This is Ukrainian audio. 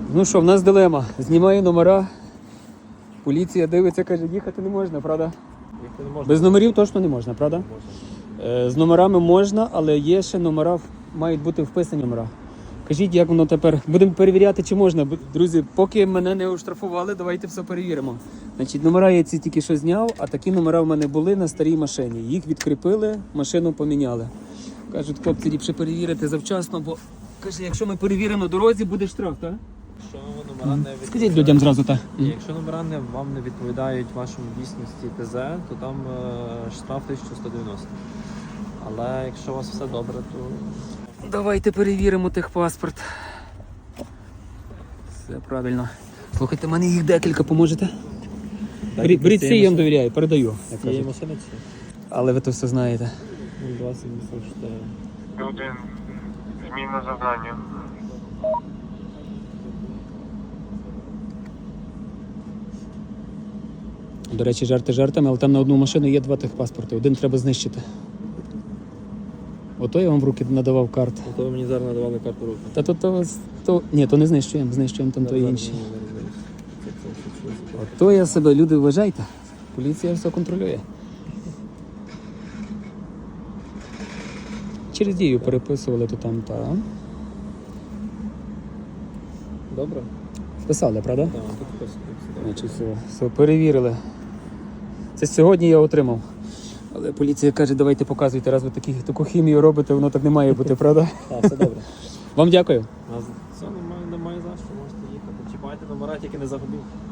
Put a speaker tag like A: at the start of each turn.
A: Ну що, в нас дилема. Знімаю номера. Поліція дивиться, каже, їхати не можна, правда?
B: Їхати не можна.
A: Без номерів точно не можна, правда?
B: Можна.
A: З номерами можна, але є ще номера, мають бути вписані номера. Кажіть, як воно тепер? Будемо перевіряти, чи можна. Друзі, поки мене не оштрафували, давайте все перевіримо. Значить, номера я ці тільки що зняв, а такі номера в мене були на старій машині. Їх відкріпили, машину поміняли. Кажуть, хлопці, ліпше перевірити завчасно, бо каже, якщо ми перевіримо на дорозі, буде штраф, так?
B: Якщо номера не відповідають...
A: Скажіть людям зразу так.
B: Якщо номера вам не відповідають вашому дійсності ТЗ, то там штраф 1190. Але якщо у вас все добре, то...
A: Давайте перевіримо техпаспорт. Все правильно. Слухайте, мене їх декілька, поможете? Беріть цей, я вам довіряю, передаю. як
B: Цієї
A: кажуть.
B: машини ці?
A: Але ви то все знаєте.
B: 2084.
C: Один. Зміна завдання.
A: До речі, жарти жартами, але там на одну машину є 2 техпаспорти. Один треба знищити. Ото я вам в руки надавав карт.
B: То ви мені зараз надавали карту руки.
A: Та ні, то не знищуємо, там то інші. Ото я себе, люди, вважайте. Поліція все контролює. Через дію переписували, то там, та.
B: Добре?
A: Вписали, правда?
B: Так, тут просто.
A: Значить, все, перевірили. Це сьогодні я отримав. Але поліція каже, давайте показуйте, раз ви таку хімію робите, воно так не має бути, правда?
B: Так, все добре.
A: Вам дякую.
B: Все, немає за що, можете їхати. Чіпайте номера, тільки не загубіть.